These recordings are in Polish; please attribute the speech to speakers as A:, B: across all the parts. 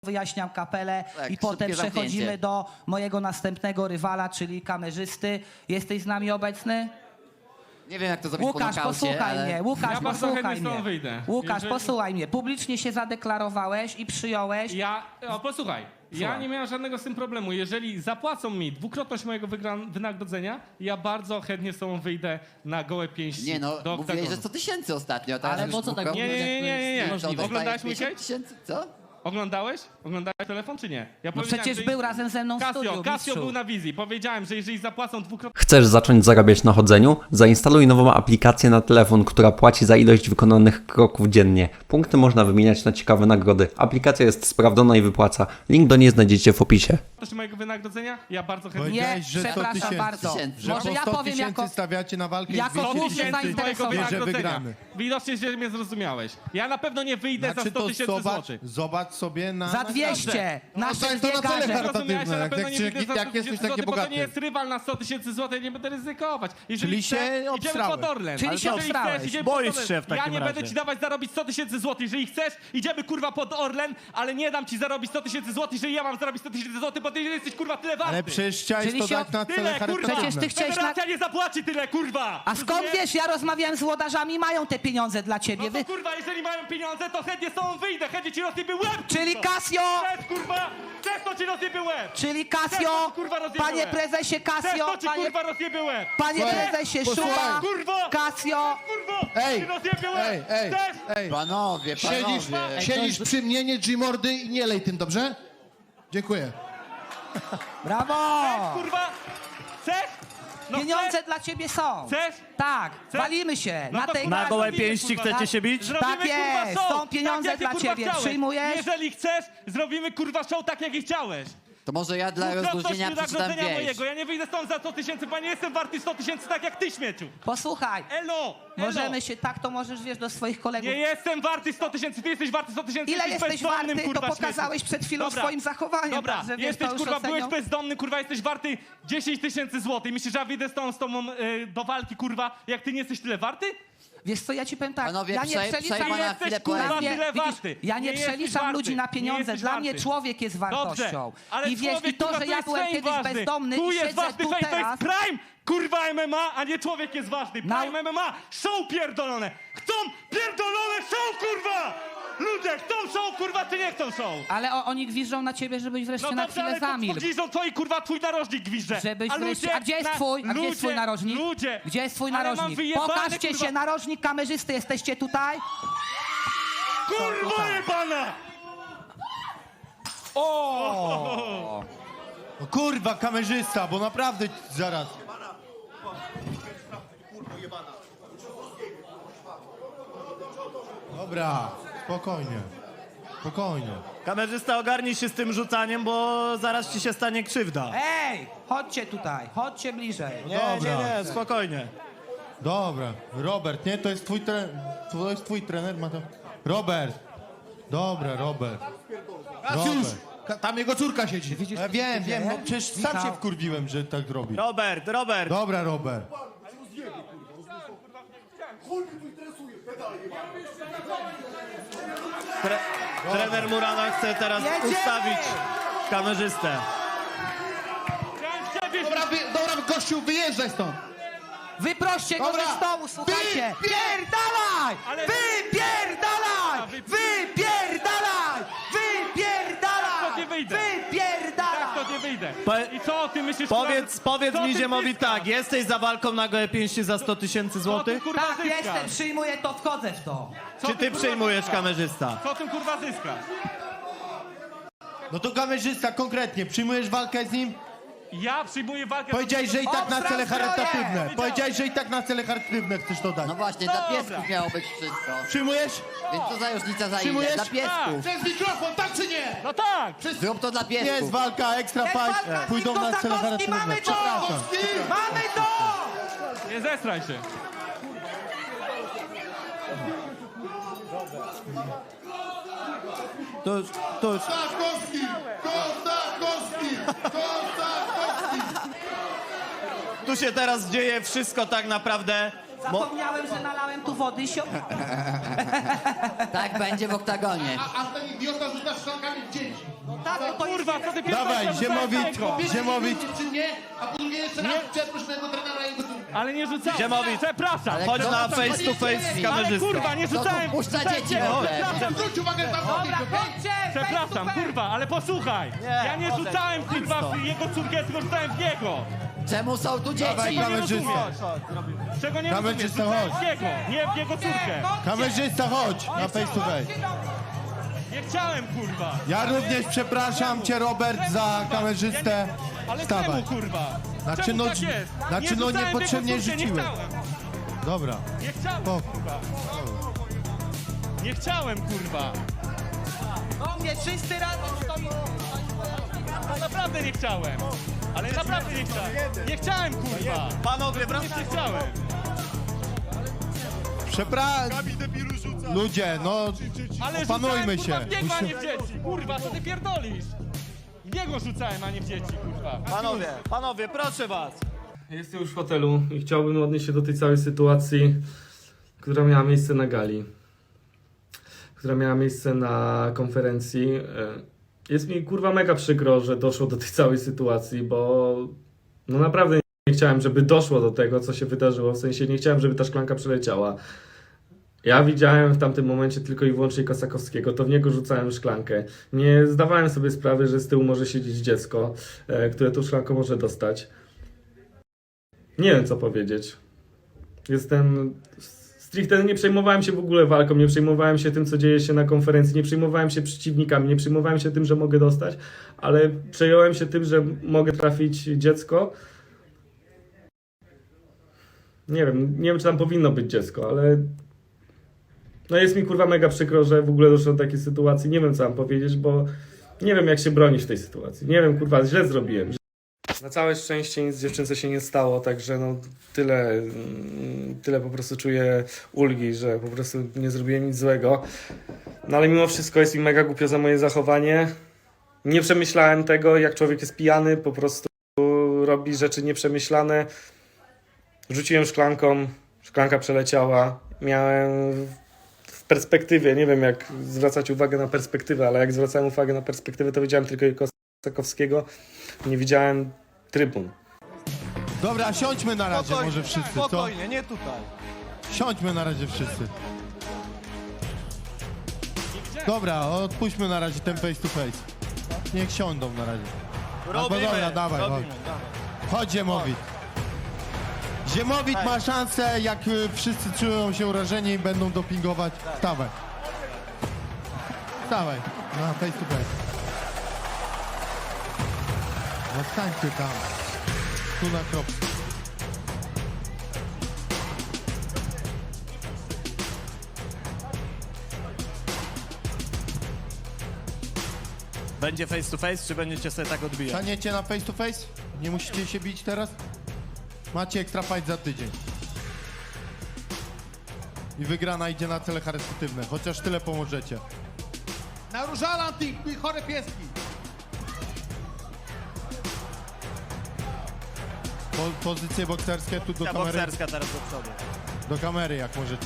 A: wyjaśniam kapelę
B: Tak,
A: i potem
B: szybkie
A: przechodzimy
B: zamknięcie.
A: do mojego następnego rywala, czyli kamerzysty. Jesteś z nami obecny?
B: Nie wiem, jak to zrobić
A: Łukasz,
B: po nokaucie,
A: posłuchaj
B: ale...
A: mnie, Łukasz,
C: Ja bardzo chętnie
A: posłuchaj
C: stąd
A: mnie.
C: wyjdę.
A: Łukasz,
C: Jeżeli-
A: posłuchaj mnie. Publicznie się zadeklarowałeś i przyjąłeś.
C: Posłuchaj, ja
A: Słucham.
C: nie miałem żadnego z tym problemu. Jeżeli zapłacą mi dwukrotność mojego wynagrodzenia, ja bardzo chętnie z tobą wyjdę na gołe pięści
B: Nie no,
C: do
B: mówiłeś, że
C: oktagonu.
B: 100 tysięcy ostatnio. Teraz
A: Ale
B: już
A: po co tak
B: dwukrotnie?
A: mówisz?
C: Nie.
B: Co, dostajesz
C: Oglądałeś mój
B: 50
C: case?
B: tysięcy? Co?
C: Oglądałeś? Oglądałeś telefon czy nie? Ja
A: No
C: powiedziałem,
A: przecież
C: że-
A: był razem ze mną w studiu,
C: Casio
A: mistrzu.
C: był na wizji. Powiedziałem, że jeżeli zapłacą dwukrotnie...
D: Chcesz zacząć zarabiać na chodzeniu? Zainstaluj nową aplikację na telefon, która płaci za ilość wykonanych kroków dziennie. Punkty można wymieniać na ciekawe nagrody. Aplikacja jest sprawdzona i wypłaca. Link do niej znajdziecie w opisie.
C: mojego wynagrodzenia, ja bardzo chętnie...
A: Nie,
E: Powiedziałeś, że 100
A: przepraszam
E: tysięcy.
A: bardzo.
B: Że
A: Może
E: po
A: ja
E: 100
A: powiem
E: tysięcy
A: jako...
E: stawiacie na walkę
A: jako
E: i 200
A: główny
E: tysięcy,
A: zainteresowany.
C: mojego
E: że
C: wynagrodzenia.
E: wygramy.
C: Widocznie, że mnie zrozumiałeś. Ja na pewno nie wyjdę za
E: Znaczy
C: 100
E: to
C: tysięcy złotych.
E: zobacz sobie na...
A: Za 200! Nasze
E: to
A: dwie
E: na cele
A: garze.
E: charytatywne.
C: Zrozumiałeś, że na pewno
E: Jak-
C: nie
E: jak-
C: wyjdę za
E: jak
C: 100
E: jesteś
C: tysięcy
E: taki
C: złotych, bo to
E: bogaty.
C: nie jest rywal na 100 tysięcy złotych, ja nie będę ryzykować. Jeżeli
E: Czyli
C: chcesz,
E: się
C: idziemy
E: obstrałeś.
C: pod Orlen.
A: Czyli
C: Ale
A: się
C: jeżeli
A: obstrałeś.
C: chcesz, idziemy
F: Boisz
C: pod Orlen.
F: się w takim
C: Ja nie
F: razie.
C: będę ci dawać zarobić 100 tysięcy złotych. Jeżeli chcesz, idziemy kurwa pod Orlen, ale nie dam ci zarobić 100 tysięcy złotych, jeżeli ja mam zarobić 100 tysięcy złotych, bo ty jesteś kurwa tyle warty.
E: Ale przecież chciałeś
A: Czyli
E: to
A: się-
E: dać na cele
C: Tyle, kurwa!
E: charytatywne.
A: Przecież ty chciałeś na-
C: Federacja nie zapłaci tyle, kurwa!
A: A skąd
C: Rozumiesz?
A: wiesz, ja rozmawiałem z włodarzami, mają te pieniądze dla ciebie.
C: No to kurwa, jeżeli mają pieniądze, to chętnie z tobą wyjdę, chętnie ci rozsypię łeb!
A: Czyli
C: kurwa.
A: Casio!
C: Chcesz, kurwa! Chcesz, to ci rozsypię łeb!
A: Czyli
C: Chcesz,
A: Casio,
C: to ci, kurwa, rozjebę
A: panie
C: łeb.
A: prezesie
C: Chcesz,
A: Casio,
C: to ci kurwa rozsypię łeb!
A: panie
E: Słuchaj,
A: prezesie
E: posłuchaj.
A: Szuba,
C: Kurwa!
A: Casio.
C: Kurwo!
E: Ej,
C: Ci rozsypię łeb! Chcesz?
E: ej.
B: Panowie,
E: Siedzisz przy mnie, nie G-mordy i nie lej tym, dobrze? Dziękuję.
A: Brawo!
C: Kurwa! Chcesz? No
A: Pieniądze
C: chcesz?
A: dla ciebie są.
C: Chcesz?
A: Tak,
C: Chcesz?
A: walimy się
C: No
A: na
C: to
A: tej
C: kurwa,
F: Na gołe
C: zrobimy,
F: pięści
C: kurwa.
F: chcecie się bić?
C: Zrobimy,
A: Tak jest,
C: kurwa, show,
A: są pieniądze
C: tak, jak
A: dla
C: ty, kurwa,
A: ciebie.
C: chciałeś.
A: Przyjmujesz?
C: Jeżeli chcesz, zrobimy kurwa show tak, jak i chciałeś.
B: To może ja dla
C: Dwukrotność
B: rozluźnienia przeczytam
C: wynagrodzenia
B: wieś.
C: mojego. Ja nie wyjdę stąd za 100 tysięcy, bo nie jestem warty 100 tysięcy tak jak ty, śmieciu.
A: Posłuchaj,
C: Elo!
A: możemy się tak, to możesz, wiesz, do swoich kolegów.
C: Nie jestem warty 100 tysięcy, ty jesteś warty 100 tysięcy.
A: Ile
C: jesteś
A: jesteś
C: bezdomnym,
A: warty,
C: kurwa,
A: to pokazałeś
C: śmieciu.
A: przed chwilą
C: Dobra.
A: swoim zachowaniem.
C: Dobra,
A: także, wiesz,
C: jesteś
A: to już
C: kurwa, byłeś
A: ocenią.
C: bezdomny, kurwa, jesteś warty 10 tysięcy złotych. Myślisz, że ja wyjdę z tobą do walki, kurwa, jak ty nie jesteś tyle warty?
A: Wiesz co, ja ci powiem tak,
B: Panowie,
A: ja nie
B: przejmę
A: przeliczam...
B: na
C: jesteś,
B: chwilę
C: kurwa,
B: poezji.
C: tyle
A: widzisz,
C: warty.
A: ja nie
C: jesteś
A: przeliczam
C: warty.
A: ludzi na
C: Nie
A: pieniądze,
C: jesteś
A: dla
C: warty.
A: mnie człowiek jest wartością.
C: Dobrze, ale
A: I wiesz,
C: człowiek,
A: i to,
C: kurwa,
A: że ja
C: jest
A: byłem
C: fame
A: kiedyś
C: ważny.
A: bezdomny
C: Tu
A: i
C: jest
A: siedzę
C: ważny
A: tu
C: fame, to
A: teraz...
C: jest prime, kurwa, MMA, a nie człowiek jest ważny.
A: Na-
C: Prime MMA, show pierdolone. Chcą pierdolone show, kurwa! Ludzie chcą show, kurwa, czy nie chcą show?
A: Ale oni gwiżdżą na ciebie, żebyś wreszcie
C: No
A: na
C: dobrze,
A: chwilę
C: ale to
A: zamilkł.
C: gwiżdżą twoi, kurwa, twój narożnik gwizdże.
A: Żebyś
C: A
A: wreszcie...
C: ludzie
A: A gdzie jest
C: na-
A: twój? A gdzie jest twój narożnik?
C: Ludzie.
A: Gdzie jest twój
C: Ale mam
A: narożnik?
C: wyjebane,
A: Pokażcie
C: kurwa.
A: się, narożnik kamerzysty, jesteście tutaj?
C: Kurwa jebana!
E: O, kurwa, kamerzysta, bo naprawdę zaraz. Dobra, spokojnie. Spokojnie.
F: Kamerzysta, ogarnij się z tym rzucaniem, bo zaraz ci się stanie krzywda.
A: Ej, chodźcie tutaj, chodźcie bliżej.
F: Nie, spokojnie.
E: Dobra, Robert, nie? To jest twój trener, ma to... Robert! Dobra, Robert.
G: Kasiusz, tam jego córka siedzi.
A: Widzisz,
E: Ja
A: co się
E: wiem,
A: dzieje?
E: no przecież sam
A: Michał.
E: się wkurwiłem, że tak robi.
F: Robert.
E: Dobra, Robert.
F: Trener Murana chce teraz
A: Jedziemy!
F: ustawić kamerzystę.
G: Dobra, gościu, wyjeżdżaj stąd.
A: Wyproście go
G: Dobra.
A: ze stołu, słuchajcie!
G: Wy-
A: Pierdalaj!
C: Ale-
A: Wypierdalaj! Wypierdalaj!
C: Tak to nie
A: Wypierdalaj!
C: wyjdę.
A: Wypierdalaj!
C: Tak to nie wyjdę.
F: Po-
C: I co ty myślisz,
F: Powiedz
C: co
F: mi,
C: ty
F: Ziemowi
C: zyskasz?
F: tak, jesteś za walką na gołe pięści za 100 tysięcy
C: Co ty,
F: złotych?
C: kurwa,
A: Tak,
C: zyskasz?
A: jestem, przyjmuję to, wchodzę w to.
C: Co
F: Czy ty
C: kurwa,
F: przyjmujesz,
C: zyskasz?
F: kamerzysta?
C: Co ty kurwa zyskasz?
E: No to kamerzysta, konkretnie, przyjmujesz walkę z nim?
C: Ja przyjmuję walkę...
E: Powiedziałeś, że i tak na cele
A: Obstrał
E: charytatywne.
C: zbroję!
E: Powiedziałeś, że i tak na cele charytatywne chcesz to dać.
B: No właśnie, dla
C: Dobra.
B: piesków miało być wszystko.
E: Przyjmujesz?
B: Więc co za różnica za ile?
E: Przyjmujesz?
B: Dla piesków.
G: Przez mikrofon, tak czy nie?
C: No tak!
B: Zrób to dla
E: Jest
B: piesków.
E: walka, ekstra
A: Jest
E: fight,
A: walka,
E: pójdą na cele
A: Kosakowski,
E: charytatywne.
A: mamy to!
E: Przepraszam.
A: Mamy to!
C: Nie zestraj się.
F: Tuż.
G: Kostakowski! Kostakowski! Kostakowski!
F: Tu się teraz dzieje wszystko tak naprawdę.
A: Zapomniałem, że nalałem tu wody i się...
B: Tak będzie w oktagonie.
G: A ten idiota rzuca szklankami w dzieci.
A: Tak, to jest...
C: Kurwa, co ty
E: Dawaj,
C: pierdolisz?
E: Ziemowit.
G: Czy nie? A po drugie jeszcze raz przeproś mojego trenera i jego córkę.
C: Ale nie rzucałem.
F: Ziemowit.
C: Przepraszam.
F: Chodź
B: kto
F: na
B: to
F: face to face z
C: Ale
F: kamerzystą.
C: kurwa, nie
B: To
C: rzucałem.
B: puszcza
C: Rzucałem
B: dzieci
C: cię.
B: w ogóle.
C: Przepraszam,
G: Zwróć uwagę na
A: Dobra, chodźcie!
C: Przepraszam, kurwa, ale posłuchaj. Ja nie rzucałem kurwa w jego córkę, tylko rzucałem w jego.
B: Czemu są tu dzieci?
E: Dawaj, kamerzysta.
C: Czego nie rozumiesz?
E: Kamerzysta,
C: Rzucałem
E: chodź.
C: w jego, nie w jego córkę.
E: Kamerzysta, chodź na face to face.
C: Nie chciałem, kurwa.
E: Ja również przepraszam cię, Robert, za kamerzystę.
C: Ale
E: Wstawaj.
C: czemu, kurwa?
E: Znaczy,
C: Czemu
E: no,
C: tak jest?
E: znaczy, no,
C: rzucałem w
E: niepotrzebnie
C: jego córkę,
E: rzuciłem.
C: Nie chciałem.
E: Dobra.
C: Nie chciałem,
E: O.
C: kurwa. Nie chciałem, kurwa.
A: Do mnie czysty razem stoi.
C: No naprawdę nie chciałem. Ale naprawdę nie chciałem. Nie chciałem, kurwa.
F: Panowie,
C: Nie chciałem.
E: Ludzie, no,
C: Ale
E: opanujmy
C: rzucałem,
E: się.
C: kurwa, w niego, a nie w dzieci. Kurwa, co ty pierdolisz? W niego rzucałem, a nie w dzieci, kurwa.
F: Panowie, proszę was.
H: Jestem już w hotelu i chciałbym odnieść się do tej całej sytuacji, która miała miejsce na gali, która miała miejsce na konferencji. Jest mi kurwa mega przykro, że doszło do tej całej sytuacji, bo no naprawdę nie chciałem, żeby doszło do tego, co się wydarzyło, w sensie nie chciałem, żeby ta szklanka przeleciała. Ja widziałem w tamtym momencie tylko i wyłącznie Kosakowskiego, to w niego rzucałem szklankę. Nie zdawałem sobie sprawy, że z tyłu może siedzieć dziecko, które tą szklankę może dostać. Nie wiem, co powiedzieć. Stricte nie przejmowałem się w ogóle walką, nie przejmowałem się tym, co dzieje się na konferencji, nie przejmowałem się przeciwnikami, nie przejmowałem się tym, że mogę dostać, ale przejąłem się tym, że mogę trafić dziecko. Nie wiem, czy tam powinno być dziecko, ale no jest mi kurwa mega przykro, że w ogóle doszło do takiej sytuacji. Nie wiem, co mam powiedzieć, bo nie wiem, jak się bronić w tej sytuacji. Nie wiem, kurwa, źle zrobiłem. Na całe szczęście nic dziewczynce się nie stało, także no tyle po prostu czuję ulgi, że po prostu nie zrobiłem nic złego. No ale mimo wszystko jest mi mega głupio za moje zachowanie. Nie przemyślałem tego, jak człowiek jest pijany, po prostu robi rzeczy nieprzemyślane. Rzuciłem szklanką, szklanka przeleciała. Miałem w perspektywie, nie wiem jak zwracać uwagę na perspektywę, ale jak zwracałem uwagę na perspektywę, to widziałem tylko Kosakowskiego, nie widziałem trybun.
E: Dobra, siądźmy na razie może wszyscy, co?
F: Spokojnie, nie tutaj.
E: Siądźmy na razie wszyscy. Dobra, odpuśćmy na razie ten face to face. Niech siądą na razie.
F: Robimy,
E: dobra, dawaj,
F: robimy.
E: Chodź Ziemowit. Ziemowit ma szansę, jak wszyscy czują się urażeni i będą dopingować. Wstawaj. Wstawaj, na face to face. No stańcie tam. Tu na kropce.
F: Będzie face to face, czy będziecie sobie tak odbijać?
E: Staniecie na face to face? Nie musicie się bić teraz? Macie extra fight za tydzień. I wygrana idzie na cele charytatywne, chociaż tyle pomożecie.
G: Na różalan ty chore pieski.
E: Pozycje bokserskie tu do
F: Ta
E: kamery.
F: bokserska teraz do przodu.
E: Do kamery jak możecie.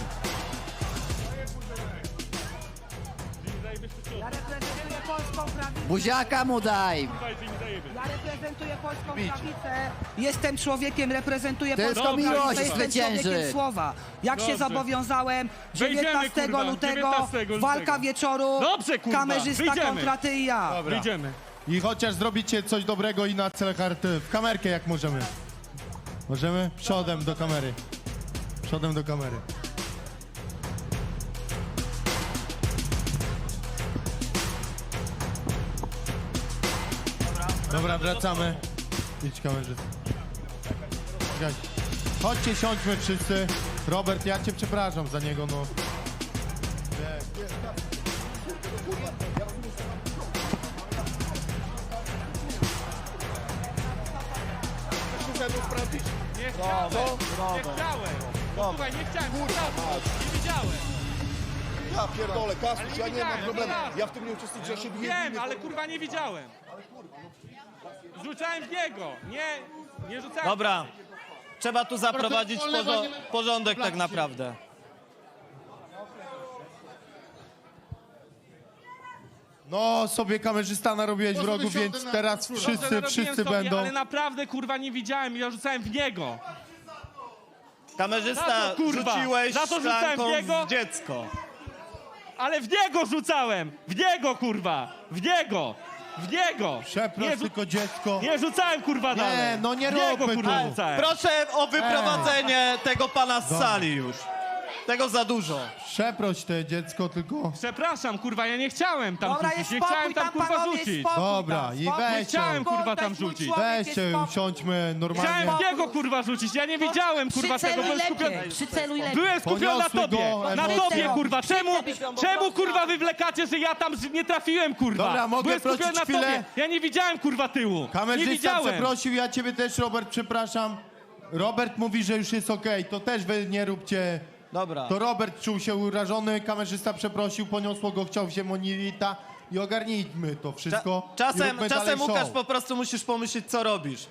A: Ja reprezentuję polską prawicę.
B: Buziaka mu daj.
A: Ja reprezentuję polską prawicę. Jestem człowiekiem, reprezentuję
B: Tylko
A: polską
B: miłość
A: prawicę. Jestem
B: zwycięży.
A: człowiekiem słowa. Jak się
C: Dobrze.
A: zobowiązałem,
C: Wejdziemy,
A: 19
C: kurwa,
A: lutego,
C: 19
A: walka
C: lutego.
A: wieczoru,
C: Dobrze, kurwa,
A: kamerzysta
C: wyjdziemy.
A: kontra ty i ja.
C: Wyjdziemy.
E: I chociaż zrobicie coś dobrego i na cele charytatywne. W kamerkę jak możemy. Możemy? Przodem do kamery. Przodem do kamery. Dobra, wracamy. Idź kamerzysta. Czekaj. Chodźcie, siądźmy wszyscy. Robert, ja cię przepraszam za niego, no.
C: Nie chciałem. Słuchaj, nie chciałem. Nie widziałem.
G: Ja pierdolę, Kasprz,
C: Ale
G: ja nie mam
C: widziałem,
G: problemu.
C: tak.
G: Ja w tym nie uczestniczę, ja się biję.
C: Wiem, ale kurwa nie widziałem. Rzucałem w niego. Nie rzucałem.
F: Dobra, trzeba tu zaprowadzić
G: wolne
F: porządek tak naprawdę.
E: No, sobie kamerzysta narobiłeś wrogu, więc teraz
C: Narobiłem
E: wszyscy
C: sobie,
E: będą.
C: Ale naprawdę, kurwa, nie widziałem. Ja rzucałem w niego. Za
F: Kamerzysta,
C: to, kurwa,
F: rzuciłeś
C: za to rzucałem
F: szklanką
C: w niego?
F: w dziecko.
C: Ale w niego rzucałem! W niego, kurwa! W niego! W niego!
E: Przeproś
C: Nie,
E: tylko dziecko.
C: nie rzucałem, kurwa, dalej.
E: no nie
C: W niego,
E: róbmy
C: kurwa,
E: tu.
C: rzucałem.
F: Proszę o wyprowadzenie tego pana z sali już. Tego za dużo.
E: Przeproś te dziecko tylko.
C: Przepraszam, kurwa, ja nie chciałem tam
A: Dobra,
C: rzucić.
A: jest
C: Nie
A: spokój
C: chciałem tam,
A: tam,
C: kurwa,
A: panowie,
C: rzucić.
A: spokój
E: Dobra,
A: tam,
E: i
A: spokój.
E: weź
C: Chciałem,
E: ją.
C: kurwa, tam
A: Weź mój
C: rzucić.
A: człowiek,
E: Weźcie
A: jest
E: ją,
A: spokój.
E: usiądźmy normalnie.
C: Chciałem w niego, kurwa, rzucić. Ja nie wiedziałem, kurwa, tego.
A: Przyceluj
C: Byłem skupiony.
A: lepiej, przyceluj lepiej.
C: Byłem skupiony na
E: Poniosły
C: tobie.
E: go
C: Na
E: emocje.
C: tobie, kurwa. Czemu, kurwa, wywlekacie, że ja tam nie trafiłem, kurwa?
E: Dobra, mogę
C: Byłem skupiony
E: prosić
C: na
E: chwilę?
C: tobie. Ja nie widziałem, kurwa, tyłu. Nie
E: Kamerzysta
C: widziałem.
E: przeprosił, ja ciebie też, Robert, przepraszam. Robert mówi, że już jest okej, to też wy nie róbcie.
F: Dobra.
E: To Robert czuł się urażony, kamerzysta przeprosił, poniosło go, chciał się monilita i ogarnijmy to wszystko. i
F: Czasem
E: róbmy dalej
F: Łukasz
E: show.
F: po prostu musisz pomyśleć, co robisz.